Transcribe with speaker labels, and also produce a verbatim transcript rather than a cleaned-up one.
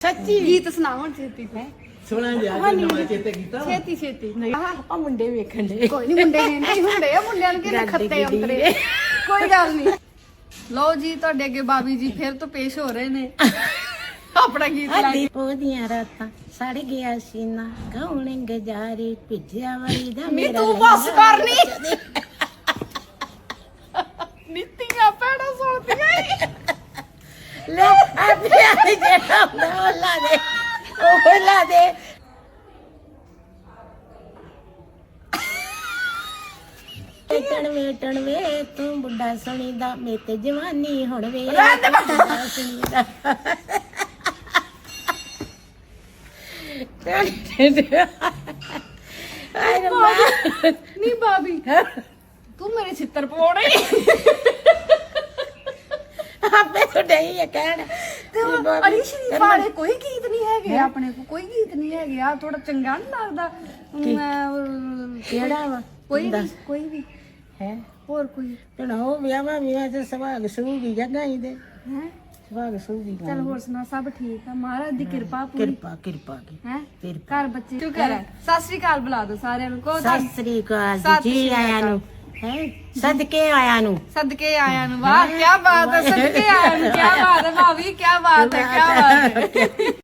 Speaker 1: ਸੱਚੀ
Speaker 2: ਗੀਤ ਸੁਣਾ ਹੁਣ ਛੇਤੀ
Speaker 1: ਹੈ ਸੁਣਾ ਜੀ ਅੱਜ ਨਵਾਂ ਚੇਤੇ ਕੀਤਾ ਵਾ?
Speaker 2: ਛੇਤੀ ਛੇਤੀ
Speaker 1: ਨਹੀਂ ਆਪਾਂ ਮੁੰਡੇ ਵੇਖਣ ਦੇ
Speaker 2: ਕੋਈ ਨਹੀਂ ਮੁੰਡੇ ਨੇ ਨਹੀਂ ਹੁੰਦੇ ਆ ਮੁੰਡਿਆਂ ਨੂੰ ਕਿਹਨੇ ਖੱਤੇ ਅੰਤਰੇ ਕੋਈ ਗੱਲ ਨਹੀਂ। ਲਓ ਜੀ ਤੁਹਾਡੇ ਅੱਗੇ ਬਾਬੀ ਜੀ ਫਿਰ ਤੋਂ ਪੇਸ਼ ਹੋ ਰਹੇ ਨੇ ਆਪਣਾ ਗੀਤ ਲਾ ਕੇ।
Speaker 1: ਉਹਦੀਆਂ ਰਾਤਾਂ ਸੜ ਗਿਆ ਸੀਨਾ ਕੌਣ ਗਜਾਰੇ ਭਿੱਜਿਆ ਵਾਲੀ ਦਾ
Speaker 2: ਨੀ
Speaker 1: ਮੇਰਾ
Speaker 2: ਤੂੰ ਬਸ ਕਰ ਨੀ ਨੀਤੀਆਂ ਪੈਣਾ ਸੁਣਦੀਆਂ ਈ।
Speaker 1: ਲੈ ਆਪੇ ਆ ਜਿਹੜਾ ਹੁੰਦਾ ਉਹ ਲਾ ਦੇ ਉਹ ਲਾ ਦੇ ਵੇਟਣ ਵੇਟਣ ਵੇ ਤੂੰ ਬੁੱਢਾ ਸੁਣੀਦਾ ਮੇ ਤੇ ਜਵਾਨੀ ਹੁਣ ਵੇ ਬੁੱਢਾ ਸੁਣੀਦਾ ਆਏ ਰੱਬਾ
Speaker 2: ਨੀ ਬਾਬੀ ਤੂੰ ਮੇਰੇ ਛਿੱਤਰ ਪਵਾਉਣੇ
Speaker 1: ਆਪੇ ਤੋਂ ਨਹੀਂ ਹੈ ਕਹਿਣ
Speaker 2: ਤੇ ਹੁਣ ਅਲੀ ਸ਼ਰੀਫ ਵਾਲੇ ਕੋਈ ਗੀਤ ਨਹੀਂ ਹੈਗੇ ਆਪਣੇ ਕੋ ਕੋਈ ਗੀਤ ਨਹੀਂ ਹੈਗੇ ਆ ਥੋੜਾ ਚੰਗਾ ਨਹੀਂ ਲੱਗਦਾ ਮੈਂ
Speaker 1: ਕਿਹੜਾ ਵਾ
Speaker 2: ਕੋਈ ਵੀ ਕੋਈ ਵੀ
Speaker 1: ਹੈ
Speaker 2: ਹੋਰ ਕੋਈ
Speaker 1: ਹੁਣ ਉਹ ਵਿਆਹਾਂ ਵਿਆਹ ਚ ਸੁਭਾਗ ਸੂਗੀ ਜਗ੍ਹਾ ਹੀ ਦੇ
Speaker 2: ਹੈ
Speaker 1: ਸੁਭਾਗ ਸੂਗੀ
Speaker 2: ਚਲ ਹੋਰ ਸੁਣਾ ਸਭ ਠੀਕ ਆ ਮਹਾਰਾਜ ਦੀ ਕਿਰਪਾ ਪੂਰੀ
Speaker 1: ਕਿਰਪਾ ਕਿਰਪਾ ਕੀ
Speaker 2: ਹੈ
Speaker 1: ਕਿਰਪਾ
Speaker 2: ਘਰ ਬੱਚੇ ਸ਼ੁਕਰ ਹੈ ਸਤਿ ਸ੍ਰੀ ਅਕਾਲ ਬੁਲਾ ਦੋ ਸਾਰਿਆਂ ਨੂੰ ਕੋ
Speaker 1: ਸਤਿ ਸ੍ਰੀ ਅਕਾਲ
Speaker 2: ਸਤਿ
Speaker 1: ਜੀ
Speaker 2: ਸ੍ਰੀ
Speaker 1: ਆਇਆਂ
Speaker 2: ਅਕਾਲ।
Speaker 1: ਨੂੰ ਹੈ ਸਦਕੇ ਆਇਆਂ ਨੂੰ
Speaker 2: ਸਦਕੇ ਆਇਆਂ ਨੂੰ ਵਾਹ ਕੀ ਬਾਤ ਹੈ ਸਦਕੇ ਆਇਆਂ ਨੂੰ ਕੀ ਬਾਤ ਹੈ ਭਾਵੀ ਕੀ ਬਾਤ ਹੈ ਕੀ ਬਾਤ ਹੈ